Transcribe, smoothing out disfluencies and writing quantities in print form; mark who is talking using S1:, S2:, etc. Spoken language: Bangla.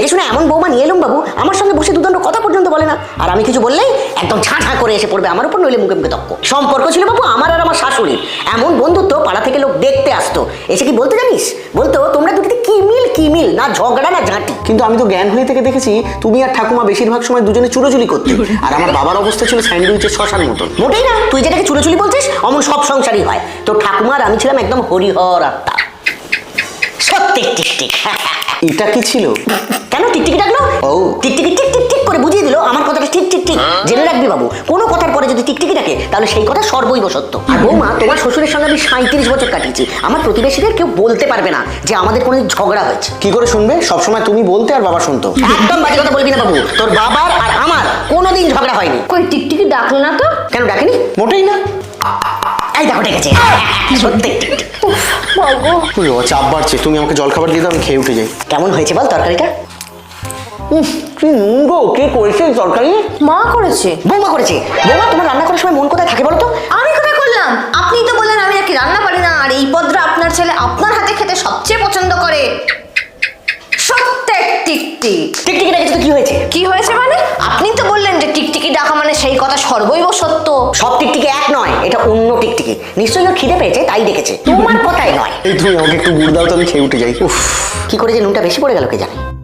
S1: দেখে শুনে এমন বৌমা নিয়ে এলুম বাবু, আমার সঙ্গে বসে দুদণ্ড কথা পর্যন্ত বলে না। আর আমি কিছু বললেই একদম ঝাঁ করে এসে পড়বে আমার উপর, নইলে মুখে মুখে তক্ক। সম্পর্ক ছিল বাবু আমার আর আমার শাশুড়ির, এমন বন্ধুত্ব পাড়া থেকে লোক দেখতে আসতো। এসে কি বলতে জানিস, বলতো তোমরা দুটিতে কি মিল না ঝগড়া না ঝাঁটি।
S2: কিন্তু আমি তো জ্ঞান হয়ে থেকে দেখেছি তুমি আর ঠাকুমা বেশিরভাগ সময় দুজনে চুরোচুরি করতে, আর আমার বাবার অবস্থা ছিল স্যান্ডউইচের শশার মতন।
S1: মোটেই না, তুই যেটাকে চুলোচুলি বলছিস অমন সব সংসারই হয়। তো ঠাকুমা আর আমি ছিলাম একদম হরিহর আত্মা। সত্যি টিকটিক।
S2: এটা কি ছিল?
S1: কেন টিকটিকি ডাকলো?
S2: ও
S1: টিকটিকি টিক টিক টিক করে বুঝিয়ে দিল আমার কথাটা ঠিক ঠিক ঠিক। জেনে রাখবি বাবু, কোনো কথার পরে যদি টিকটিকি ডাকে তাহলে সেই কথা সর্বৈব সত্য। আর বৌমা, তোমার শ্বশুরের সঙ্গে আমি 37 বছর কাটিয়েছি। আমার প্রতিবেশীদের কেউ বলতে পারবে না যে আমাদের কোনো ঝগড়া হয়েছে।
S2: কি করে শুনবে? সবসময় তুমি বলতে আর বাবা শুনতো।
S1: একদম বাজে কথা বলবি না বাবু, তোর বাবার আর আমার কোনোদিন ঝগড়া হয়নি।
S3: কই টিকটিকি ডাকলো না তো?
S1: কেন ডাকেনি?
S2: মোটেই না।
S1: এই দেখো ডেকেছে। সত্যি টিকটিক।
S2: চাপ বাড়ছে, তুমি আমাকে জল খাবার দিয়ে দাও, আমি খেয়ে উঠে যাই।
S1: কেমন হয়েছে বল তরকারিটা?
S2: কি নুন গো, কে করেছে এই তরকারি?
S3: মা করেছে।
S1: বৌমা করেছে। বৌমা, তোমার রান্না করার সময় মন কোথায় থাকে বলো তো?
S3: আমি কোথায় করলাম? আপনি তো বললেন আমি নাকি রান্না পারি না, আর এই পদটা আপনার ছেলে আপনার হাতে খেতে সবচেয়ে পছন্দ করে। সত্যি টিকটিক।
S1: টিকটিকি ডেকেছে তো কি হয়েছে?
S3: কি হয়েছে মানে? আপনি তো বললেন যে টিকটিকি ডাকা মানে সেই কথা সর্বৈব সত্য।
S1: সব টিকটিকি এক নয়, এটা অন্য টিকটিকি। নিশ্চয়ই ওর খিদে পেয়েছে তাই ডেকেছে, তোমার কথাই নয়।
S2: এই তুমি আমাকে একটু গুড় দাও তো, আমি খেয়ে উঠে যাই। উফ,
S1: কি করে যে নুনটা বেশি পড়ে গেল কে জানে।